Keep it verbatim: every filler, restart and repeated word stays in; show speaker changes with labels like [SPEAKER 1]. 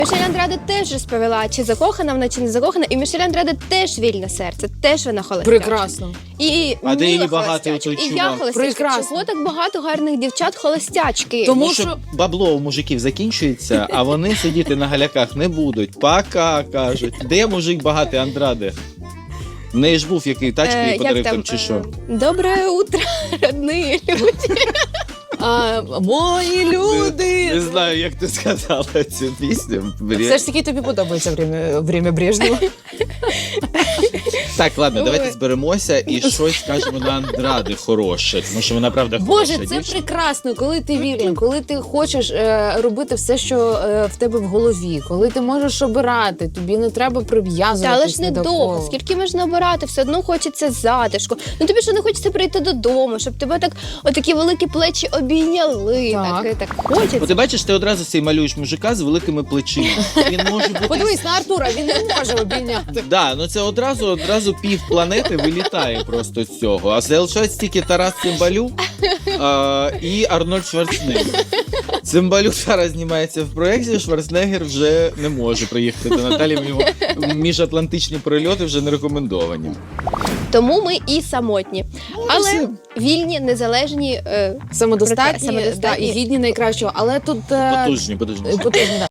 [SPEAKER 1] Мішель Андраде теж розповіла, чи закохана вона, чи не закохана. І Мішель Андраде теж вільне серце, теж вона холостячка.
[SPEAKER 2] Прекрасно.
[SPEAKER 1] І
[SPEAKER 3] А де
[SPEAKER 1] Міла
[SPEAKER 3] її багато
[SPEAKER 1] холостячка,
[SPEAKER 3] той
[SPEAKER 1] і я
[SPEAKER 3] чувак?
[SPEAKER 1] холостячка.
[SPEAKER 2] Прекрасно.
[SPEAKER 1] Чого так багато гарних дівчат холостячки?
[SPEAKER 2] Тому
[SPEAKER 3] Тому що бабло у мужиків закінчується, а вони сидіти на галяках не будуть. Пока, кажуть. Де мужик багатий Андраде? В неї ж був який тачки
[SPEAKER 1] Е,
[SPEAKER 3] їй
[SPEAKER 1] як
[SPEAKER 3] подарив
[SPEAKER 1] там,
[SPEAKER 3] там чи
[SPEAKER 1] е,
[SPEAKER 3] що?
[SPEAKER 1] Доброе утро, родні люди.
[SPEAKER 2] А, мої люди!
[SPEAKER 3] Не знаю, як ти сказала цю пісню.
[SPEAKER 2] Все ж таки тобі подобається время, время Брежнева.
[SPEAKER 3] Так, ладно, давайте зберемося і щось скажемо на Андраде хороше, тому що вона правда хороша
[SPEAKER 2] Боже, це
[SPEAKER 3] дівчина.
[SPEAKER 2] прекрасно, коли ти вільний, коли ти хочеш е, робити все, що е, в тебе в голові, коли ти можеш обирати, тобі не треба
[SPEAKER 1] Та
[SPEAKER 2] прив'язуватись
[SPEAKER 1] але ж не
[SPEAKER 2] ні до
[SPEAKER 1] довго,
[SPEAKER 2] кого.
[SPEAKER 1] скільки можна обирати, все одно хочеться затишку. Ну тобі що не хочеться прийти додому, щоб тебе так отакі великі плечі обійняли.
[SPEAKER 2] Так.
[SPEAKER 1] Так, так хочеться.
[SPEAKER 3] Бо ти бачиш, ти одразу цей малюєш мужика з великими плечима. Він може бути...
[SPEAKER 2] Подивись на Артура, він не може обійняти.
[SPEAKER 3] Да, ну це одразу, одразу пів планети вилітає просто з цього. А залишається тільки Тарас Цимбалюк а, і Арнольд Шварценеггер. Цимбалюк зараз знімається в проєкті, Шварценеггер вже не може приїхати до Наталі, в нього міжатлантичні прильоти вже не рекомендовані.
[SPEAKER 1] Тому ми і самотні. Але вільні, незалежні. Е,
[SPEAKER 2] Самодостатні,
[SPEAKER 1] Самодостатні.
[SPEAKER 2] Да, і гідні найкращого, але тут... е,
[SPEAKER 3] Потужні, потужні.
[SPEAKER 2] потужні, да.